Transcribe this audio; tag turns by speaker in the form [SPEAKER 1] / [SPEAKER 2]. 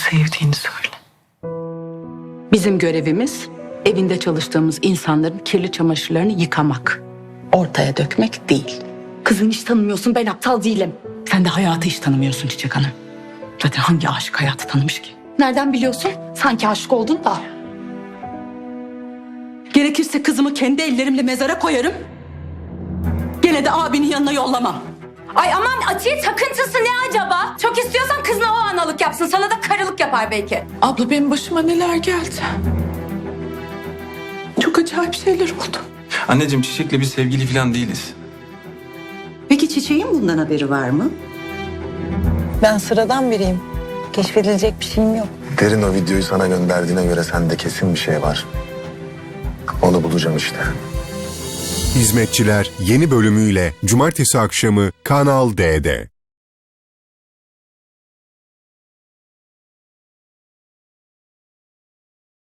[SPEAKER 1] sevdiğini söyle.
[SPEAKER 2] Bizim görevimiz evinde çalıştığımız insanların kirli çamaşırlarını yıkamak. Ortaya dökmek değil. Kızım hiç tanımıyorsun, ben aptal değilim. Sen de hayatı hiç tanımıyorsun Çiçek Hanım. Zaten hangi aşık hayatı tanımış ki? Nereden biliyorsun? Sanki aşık oldun da. Gerekirse kızımı kendi ellerimle mezara koyarım. Gene de abinin yanına yollamam.
[SPEAKER 3] Ay aman Atiye takıntısı ne acaba? Çok istiyorsan kızına o analık yapsın. Sana da karılık yapar belki.
[SPEAKER 1] Abla benim başıma neler geldi. Çok acayip şeyler oldu.
[SPEAKER 4] Anneciğim Çiçek'le biz sevgili falan değiliz.
[SPEAKER 5] Peki Çiçek'in bundan haberi var mı?
[SPEAKER 6] Ben sıradan biriyim. Keşfedilecek bir şeyim yok.
[SPEAKER 7] Derin o videoyu sana gönderdiğine göre sende kesin bir şey var. Onu bulacağım işte.
[SPEAKER 8] Hizmetçiler yeni bölümüyle Cumartesi akşamı Kanal D'de.